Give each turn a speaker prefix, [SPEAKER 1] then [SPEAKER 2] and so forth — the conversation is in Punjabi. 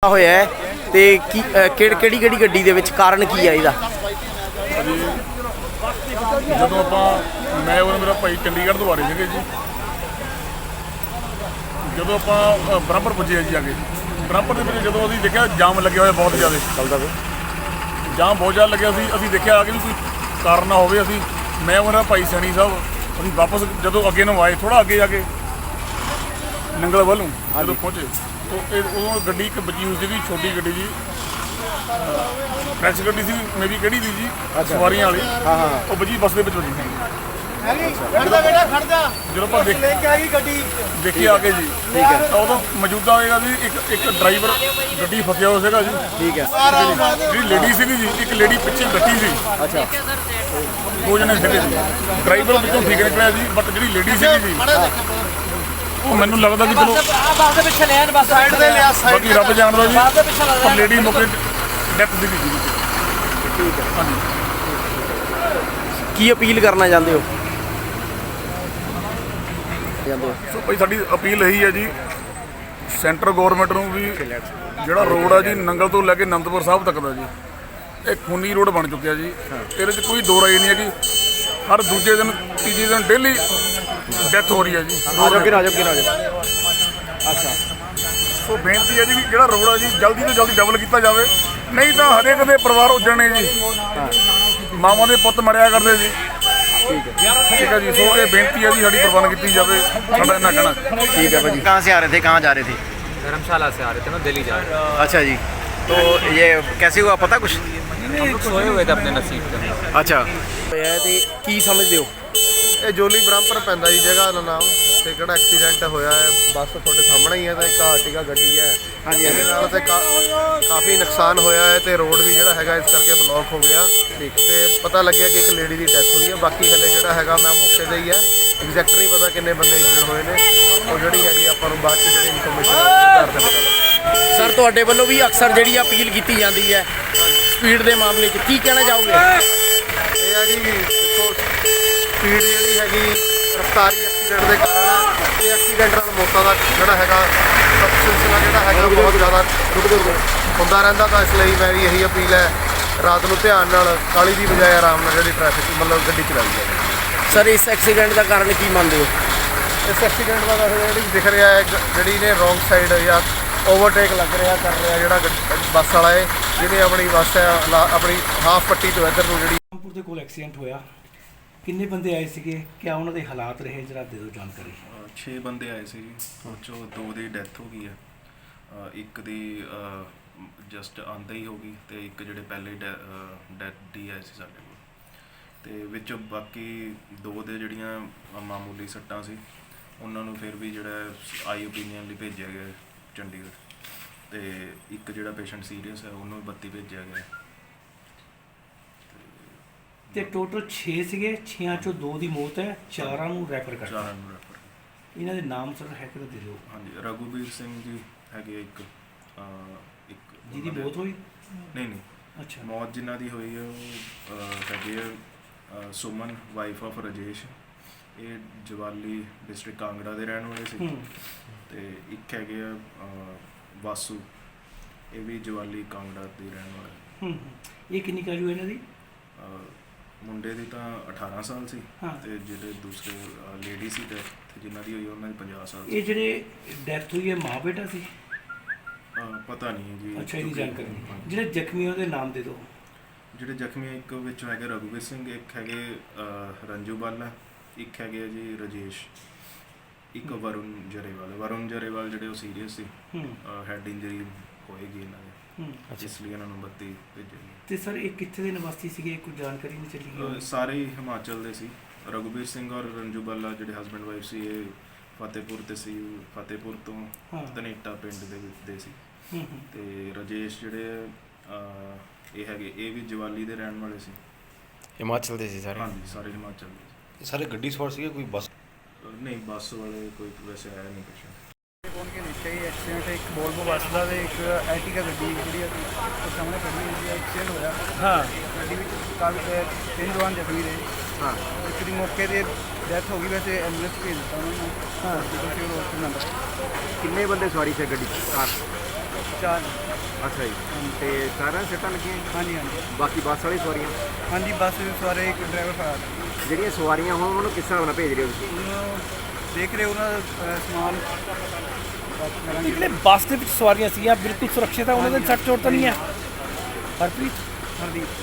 [SPEAKER 1] ਹੋਇਆ ਹੈ ਤੇ ਕੀ ਕਿਹੜੀ ਗੱਡੀ ਦੇ ਵਿੱਚ ਕਾਰਨ ਕੀ ਹੈ ਇਹਦਾ?
[SPEAKER 2] ਜਦੋਂ ਮੈਂ ਔਰ ਮੇਰਾ ਭਾਈ ਚੰਡੀਗੜ੍ਹ ਤੋਂ ਆ ਰਹੇ ਸੀਗੇ ਜੀ। ਜਦੋਂ ਆਪਾਂ ਬਰਾਬਰ ਪੁੱਜੇ ਜੀ, ਆ ਕੇ ਬਰਾਬਰ ਦੇ ਵਿੱਚ ਜਦੋਂ ਅਸੀਂ ਦੇਖਿਆ ਜਾਮ ਲੱਗਿਆ ਹੋਇਆ ਬਹੁਤ ਜ਼ਿਆਦਾ ਚੱਲਦਾ ਵੇ, ਜਾਮ ਬਹੁਤ ਜ਼ਿਆਦਾ ਲੱਗਿਆ ਸੀ। ਅਸੀਂ ਦੇਖਿਆ ਆ ਕੇ ਵੀ ਕੋਈ ਕਾਰਨ ਨਾ ਹੋਵੇ। ਮੈਂ ਔਰ ਮੇਰਾ ਭਾਈ ਸੈਣੀ ਸਾਹਿਬ ਅਸੀਂ ਵਾਪਸ ਜਦੋਂ ਅੱਗੇ ਨੂੰ ਆਏ, ਥੋੜ੍ਹਾ ਅੱਗੇ ਜਾ ਕੇ ਨੰਗਲ ਵੱਲ ਨੂੰ ਜਦੋਂ ਪਹੁੰਚੇ ਤਾਂ ਉਦੋਂ ਗੱਡੀ ਇੱਕ ਬਚੀ ਹੋਈ ਸੀਗੀ, ਛੋਟੀ ਗੱਡੀ ਜੀ, ਫਰੈਸ਼ ਗੱਡੀ ਸੀ, ਮੇ ਵੀ ਕਿਹੜੀ ਸੀ ਜੀ, ਸਵਾਰੀਆਂ ਵਾਲੀ। ਉਹ ਬਜੀ ਬੱਸ ਦੇ ਵਿੱਚ ਵੱਜੀ ਸੀ। ਜਦੋਂ ਆਪਾਂ ਦੇਖੀ ਆ ਕੇ ਜੀ, ਤਾਂ ਉਦੋਂ ਮੌਜੂਦਾ ਹੋਏਗਾ ਜੀ ਇੱਕ ਡਰਾਈਵਰ ਗੱਡੀ ਫਸਿਆ ਹੋਇਆ ਸੀਗਾ ਜੀ।
[SPEAKER 1] ਠੀਕ ਹੈ।
[SPEAKER 2] ਜਿਹੜੀ ਲੇਡੀ ਸੀਗੀ ਜੀ, ਇੱਕ ਲੇਡੀ ਪਿੱਛੇ ਬੈਠੀ ਸੀ।
[SPEAKER 1] ਅੱਛਾ।
[SPEAKER 2] ਦੋ ਜਣੇ ਸੀਗੇ ਜੀ। ਡਰਾਈਵਰ ਵਿੱਚੋਂ ਠੀਕ ਨਿਕਲਿਆ ਜੀ, ਬਟ ਜਿਹੜੀ ਲੇਡੀ ਸੀਗੀ ਜੀ, ਉਹ ਮੈਨੂੰ ਲੱਗਦਾ ਕਿ ਚਲੋ ਬਾਕੀ ਰੱਬ ਜਾਣਦਾ ਜੀ, ਪਰ ਲੇਡੀ ਮੌਕੇ ਡੈਥ ਸੀਗੀ ਜੀ।
[SPEAKER 1] ਠੀਕ ਹੈ।
[SPEAKER 2] ਹਾਂਜੀ।
[SPEAKER 1] ਕੀ ਅਪੀਲ ਕਰਨਾ ਚਾਹੁੰਦੇ ਹੋ?
[SPEAKER 2] ਸੋ ਭਾਈ ਸਾਡੀ ਅਪੀਲ ਇਹੀ ਹੈ ਜੀ, ਸੈਂਟਰ ਗੌਰਮੈਂਟ ਨੂੰ ਵੀ ਜਿਹੜਾ ਰੋਡ ਆ ਜੀ ਨੰਗਲ ਤੋਂ ਲੈ ਕੇ ਅਨੰਦਪੁਰ ਸਾਹਿਬ ਤੱਕ ਦਾ ਜੀ, ਇਹ ਖੂਨੀ ਰੋਡ ਬਣ ਚੁੱਕਿਆ ਜੀ। ਇਹਦੇ 'ਚ ਕੋਈ ਦੋ ਰਾਏ ਨਹੀਂ ਹੈ ਕਿ ਹਰ ਦੂਜੇ ਦਿਨ ਤੀਜੇ ਦਿਨ ਡੇਲੀ ਡੈਥ ਹੋ ਰਹੀ ਹੈ ਜੀ।
[SPEAKER 1] ਅੱਛਾ।
[SPEAKER 2] ਸੋ ਬੇਨਤੀ ਹੈ ਜੀ ਕਿ ਜਿਹੜਾ ਰੋਡ ਆ ਜੀ ਜਲਦੀ ਤੋਂ ਜਲਦੀ ਡਬਲ ਕੀਤਾ ਜਾਵੇ, ਨਹੀਂ ਤਾਂ ਹਰੇਕ ਦੇ ਪਰਿਵਾਰ ਉੱਜਣੇ ਜੀ, ਮਾਵਾਂ ਦੇ ਪੁੱਤ ਮਰਿਆ ਕਰਦੇ ਜੀ। ठीक है जी। सो ये बेनती है जी, साड़ी प्रबंध की जाए, साडा इन्ना कहना।
[SPEAKER 1] ठीक है भाजी। कहाँ से आ रहे थे, कहाँ जा रहे थे?
[SPEAKER 3] धर्मशाला से आ रहे थे ना, दिल्ली जा रहे थे।
[SPEAKER 1] अच्छा जी। तो ये कैसे हुआ पता कुछ?
[SPEAKER 3] हम लोग सोए हुए थे अपने नसीब पे।
[SPEAKER 1] अच्छा। की समझते हो?
[SPEAKER 4] ਇਹ ਜੋਲੀ ਬ੍ਰਹਮਪੁਰ ਪੈਂਦਾ ਜੀ ਜਗ੍ਹਾ ਦਾ ਨਾਮ, ਤੇ ਕਿਹੜਾ ਐਕਸੀਡੈਂਟ ਹੋਇਆ ਹੈ ਬੱਸ ਤੁਹਾਡੇ ਸਾਹਮਣੇ ਹੀ ਹੈ, ਤੇ ਇੱਕ ਆਰਟੀਕਾ ਗੱਡੀ ਹੈ। ਹਾਂਜੀ। ਇਹਦੇ ਨਾਲ ਤੇ ਕਾਫੀ ਨੁਕਸਾਨ ਹੋਇਆ ਹੈ, ਤੇ ਰੋਡ ਵੀ ਜਿਹੜਾ ਹੈਗਾ ਇਸ ਕਰਕੇ ਬਲੌਕ ਹੋ ਗਿਆ। ਤੇ ਪਤਾ ਲੱਗਿਆ ਕਿ ਇੱਕ ਲੇਡੀ ਦੀ ਡੈਥ ਹੋਈ ਹੈ। ਬਾਕੀ ਹਲੇ ਜਿਹੜਾ ਹੈਗਾ ਮੈਂ ਮੌਕੇ 'ਤੇ ਹੀ ਹੈ, ਐਗਜ਼ੈਕਟ ਨਹੀਂ ਪਤਾ ਕਿੰਨੇ ਬੰਦੇ ਇੰਜਰਡ ਹੋਏ ਨੇ। ਉਹ ਜਿਹੜੀ ਹੈਗੀ ਆਪਾਂ ਨੂੰ ਬਾਅਦ 'ਚ ਜਿਹੜੀ ਇਨਫੋਰਮੇਸ਼ਨ ਆਧਾਰ 'ਤੇ ਪਤਾ ਲੱਗ।
[SPEAKER 1] ਸਰ ਤੁਹਾਡੇ ਵੱਲੋਂ ਵੀ ਅਕਸਰ ਜਿਹੜੀ ਅਪੀਲ ਕੀਤੀ ਜਾਂਦੀ ਹੈ ਸਪੀਡ ਦੇ ਮਾਮਲੇ 'ਚ, ਕੀ ਕਹਿਣਾ ਚਾਹੋਗੇ?
[SPEAKER 4] ਇਹ ਆ ਜੀ ਦੇਖੋ, ਸਪੀਡ ਜਿਹੜੀ ਹੈਗੀ ਰਫਤਾਰੀ ਐਕਸੀਡੈਂਟ ਦੇ ਕਾਰਨ, ਇਹ ਐਕਸੀਡੈਂਟ ਨਾਲ ਮੌਤਾਂ ਦਾ ਜਿਹੜਾ ਹੈਗਾ ਸਿਲਸਿਲਾ ਜਿਹੜਾ ਹੈਗਾ ਬਹੁਤ ਜ਼ਿਆਦਾ ਹੁੰਦਾ ਰਹਿੰਦਾ। ਤਾਂ ਇਸ ਲਈ ਮੇਰੀ ਇਹੀ ਅਪੀਲ ਹੈ, ਰਾਤ ਨੂੰ ਧਿਆਨ ਨਾਲ ਕਾਹਲੀ ਦੀ ਬਜਾਏ ਆਰਾਮ ਨਾਲ ਜਿਹੜੀ ਟ੍ਰੈਫਿਕ ਮਤਲਬ ਗੱਡੀ ਚਲਾਈ ਜਾਵੇ।
[SPEAKER 1] ਸਰ ਇਸ ਐਕਸੀਡੈਂਟ ਦਾ ਕਾਰਨ ਕੀ ਮੰਨਦੇ ਹੋ?
[SPEAKER 4] ਇਸ ਐਕਸੀਡੈਂਟ ਦਾ ਵੈਸੇ ਜਿਹੜੀ ਦਿਖ ਰਿਹਾ ਹੈ, ਜਿਹੜੀ ਨੇ ਰੋਂਗ ਸਾਈਡ ਜਾਂ ਓਵਰਟੇਕ ਲੱਗ ਰਿਹਾ ਕਰ ਰਿਹਾ ਜਿਹੜਾ ਬੱਸ ਵਾਲਾ ਹੈ, ਜਿਹਨੇ ਆਪਣੀ ਬੱਸ ਹੈ ਆਪਣੀ ਹਾਫ ਪੱਟੀ ਤੋਂ ਇੱਧਰ ਨੂੰ ਜਿਹੜੀ
[SPEAKER 5] ਰਾਮਪੁਰ ਦੇ ਕੋਲ ਐਕਸੀਡੈਂਟ ਹੋਇਆ। ਕਿੰਨੇ ਬੰਦੇ ਆਏ ਸੀਗੇ, ਕਿਆ ਉਹਨਾਂ ਦੇ ਹਾਲਾਤ ਰਹੇ, ਜਰਾ ਦੇ ਦਿਓ ਜਾਣਕਾਰੀ।
[SPEAKER 6] 6 ਬੰਦੇ ਆਏ ਸੀ ਜੀ, ਉਹ 'ਚੋਂ 2 ਦੀ ਡੈਥ ਹੋ ਗਈ ਹੈ, ਇੱਕ ਦੀ ਜਸਟ ਆਉਂਦਾ ਹੀ ਹੋ ਗਈ, ਤੇ ਇੱਕ ਜਿਹੜੇ ਪਹਿਲੇ ਡੈਥ ਦੀ ਆਏ ਸੀ ਸਾਡੇ ਕੋਲ, ਤੇ ਵਿੱਚ ਬਾਕੀ 2 ਦੇ ਜਿਹੜੀਆਂ ਮਾਮੂਲੀ ਸੱਟਾਂ ਸੀ, ਉਹਨਾਂ ਨੂੰ ਫਿਰ ਵੀ ਜਿਹੜਾ ਆਈ ਓਪੀਨੀਅਨ ਲਈ ਭੇਜਿਆ ਗਿਆ ਚੰਡੀਗੜ੍ਹ, ਤੇ ਇੱਕ ਜਿਹੜਾ ਪੇਸ਼ੈਂਟ ਸੀਰੀਅਸ ਹੈ ਉਹਨੂੰ 32 ਭੇਜਿਆ ਗਿਆ।
[SPEAKER 5] ਤੇ ਟੋਟਲ 6 ਸੀਗੇ, 6 ਚੋਂ 2 ਦੀ ਮੌਤ ਹੈ, 4 ਨੂੰ ਰੈਫਰ ਕਰਤਾ।
[SPEAKER 6] 4 ਨੂੰ ਰੈਫਰ।
[SPEAKER 5] ਇਹਨਾਂ ਦੇ ਨਾਮ ਸਰ ਹੈ ਕਿ ਦੇ ਦਿਓ।
[SPEAKER 6] ਹਾਂਜੀ, ਰਘੂਬੀਰ ਸਿੰਘ ਜੀ ਹੈਗੇ ਇੱਕ
[SPEAKER 5] ਜਿਹਦੀ ਮੌਤ ਹੋਈ?
[SPEAKER 6] ਨਹੀਂ।
[SPEAKER 5] ਅੱਛਾ।
[SPEAKER 6] ਮੌਤ ਜਿਨ੍ਹਾਂ ਦੀ ਹੋਈ ਹੈ ਉਹ ਹੈਗੇ ਆ ਸੁਮਨ, ਵਾਈਫ ਆਫ ਰਾਜੇਸ਼, ਇਹ ਜਵਾਲੀ ਡਿਸਟ੍ਰਿਕਟ ਕਾਂਗੜਾ ਦੇ ਰਹਿਣ ਵਾਲੇ ਸੀ, ਤੇ ਇੱਕ ਹੈਗੇ ਆ ਵਾਸੂ, ਇਹ ਵੀ ਜਵਾਲੀ ਕਾਂਗੜਾ ਦੇ ਰਹਿਣ ਵਾਲੇ।
[SPEAKER 5] ਇਹ ਕਿੰਨੀ ਕਾਜੂ ਇਹਨਾਂ ਦੀ?
[SPEAKER 6] ਮੁੰਡੇ ਦੀ ਤਾਂ 18 ਸਾਲ ਸੀ, ਤੇ ਜਿਹੜੇ ਦੂਸਰੇ ਲੇਡੀ ਸੀ ਡੈਥ ਜਿਨ੍ਹਾਂ ਦੀ ਹੋਈ ਉਹਨਾਂ ਦੀ 50 ਸਾਲ ਸੀ।
[SPEAKER 5] ਇਹ ਜਿਹੜੇ ਡੈਥ ਹੋਈ ਹੈ ਮਾਂ ਬੇਟਾ ਸੀ?
[SPEAKER 6] ਪਤਾ ਨਹੀਂ ਜੀ।
[SPEAKER 5] ਅੱਛਾ, ਇਹਦੀ ਜਾਣਕਾਰੀ ਨਹੀਂ। ਜਿਹੜੇ ਜ਼ਖਮੀ ਉਹਦੇ ਨਾਮ ਦੇ ਦਿਓ।
[SPEAKER 6] ਜਿਹੜੇ ਜ਼ਖਮੀ ਇੱਕ ਵਿੱਚ ਹੈਗੇ ਰਘੂਬੀਰ ਸਿੰਘ, ਇੱਕ ਹੈਗੇ ਰੰਜੂ ਬਾਲਾ, ਇੱਕ ਹੈਗੇ ਜੀ ਰਾਜੇਸ਼, ਇੱਕ ਵਰੁਣ ਜਰੇਵਾਲ ਜਿਹੜੇ ਉਹ ਸੀਰੀਅਸ ਸੀ, ਹੈਡ ਇੰਜਰੀ ਹੋਏਗੀ ਇਹਨਾਂ ਦੇ, ਇਸ ਲਈ ਇਹਨਾਂ ਨੂੰ 32 ਭੇਜੇ।
[SPEAKER 5] ਤੇ ਸਰ ਇਹ ਕਿੱਥੇ ਦੇ ਨਿਵਾਸੀ ਸੀਗੇ, ਕੋਈ ਜਾਣਕਾਰੀ ਨਹੀਂ ਚੱਲੀ?
[SPEAKER 6] ਸਾਰੇ ਹੀ ਹਿਮਾਚਲ ਦੇ ਸੀ। ਰਘੂਬੀਰ ਸਿੰਘ ਔਰ ਰੰਜੂ ਬਾਲਾ ਜਿਹੜੇ ਹਸਬੈਂਡ ਵਾਈਫ ਸੀ, ਇਹ ਫਤਿਹਪੁਰ ਤੋਂ ਧਨੇਟਾ ਪਿੰਡ ਦੇ ਵਿੱਚ ਦੇ ਸੀ, ਤੇ ਰਾਜੇਸ਼ ਜਿਹੜੇ ਇਹ ਹੈਗੇ ਇਹ ਵੀ ਜਵਾਲੀ ਦੇ ਰਹਿਣ ਵਾਲੇ ਸੀ।
[SPEAKER 1] ਹਿਮਾਚਲ ਦੇ ਸੀ ਸਾਰੇ?
[SPEAKER 6] ਹਾਂਜੀ, ਸਾਰੇ ਹਿਮਾਚਲ ਦੇ।
[SPEAKER 7] ਸਾਰੇ ਗੱਡੀ ਸਵਾਰ ਸੀਗੇ, ਕੋਈ ਬੱਸ?
[SPEAKER 6] ਨਹੀਂ, ਬੱਸ ਵਾਲੇ ਕੋਈ ਵੈਸੇ ਆਇਆ ਨਹੀਂ ਕੁਛ।
[SPEAKER 8] पहुंच के नीचे ही एक्सीडेंट है, एक वोल्वो बस का एक एर्टिगा गड्डी जी सामने खड़ी हुई है, एक्सीडेंट होया। हाँ, गड्डी काफ़ी 3 जवान जख्मी रहे। हाँ, एक की मौके पर डेथ हो गई, वैसे एम्बुलेंस भेज दिता उन्होंने। हाँ, हॉस्पिटल नंबर।
[SPEAKER 1] किन्ने बंदे सवारी थे गड्डी कार?
[SPEAKER 8] 4
[SPEAKER 7] ਅੱਛਾ ਜੀ ਤੇ ਸਾਰਿਆਂ ਨੂੰ ਸੱਟਾਂ ਲੱਗੀਆਂ ਜੀ?
[SPEAKER 8] ਹਾਂਜੀ ਹਾਂਜੀ
[SPEAKER 7] ਬਾਕੀ ਬੱਸ ਵਾਲੀ ਸਵਾਰੀਆਂ
[SPEAKER 8] ਹਾਂਜੀ ਬੱਸ ਦੇ ਸਵਾਰੇ ਇੱਕ ਡਰਾਈਵਰ ਫਰਾਰ ਹੈ।
[SPEAKER 7] ਜਿਹੜੀਆਂ ਸਵਾਰੀਆਂ ਹੋਣ ਉਹਨਾਂ ਨੂੰ ਕਿਸ ਹਿਸਾਬ ਨਾਲ ਭੇਜ ਰਹੇ ਹੋ ਤੁਸੀਂ?
[SPEAKER 8] ਉਹਨੂੰ ਦੇਖ ਰਹੇ ਉਹਨਾਂ ਦਾ ਸਮਾਨ ਬਾਕੀ ਕਰਾਂਗੇ।
[SPEAKER 5] ਜਿਹੜੇ ਬੱਸ ਦੇ ਵਿੱਚ ਸਵਾਰੀਆਂ ਸੀਗੀਆਂ ਬਿਲਕੁਲ ਸੁਰੱਖਿਅਤ ਆ, ਉਹਨਾਂ ਦੇ ਸੱਟ ਚੋਟ ਤਾਂ ਨਹੀਂ ਹੈ? ਹਰਪ੍ਰੀਤ
[SPEAKER 8] ਹਰਦੀਪ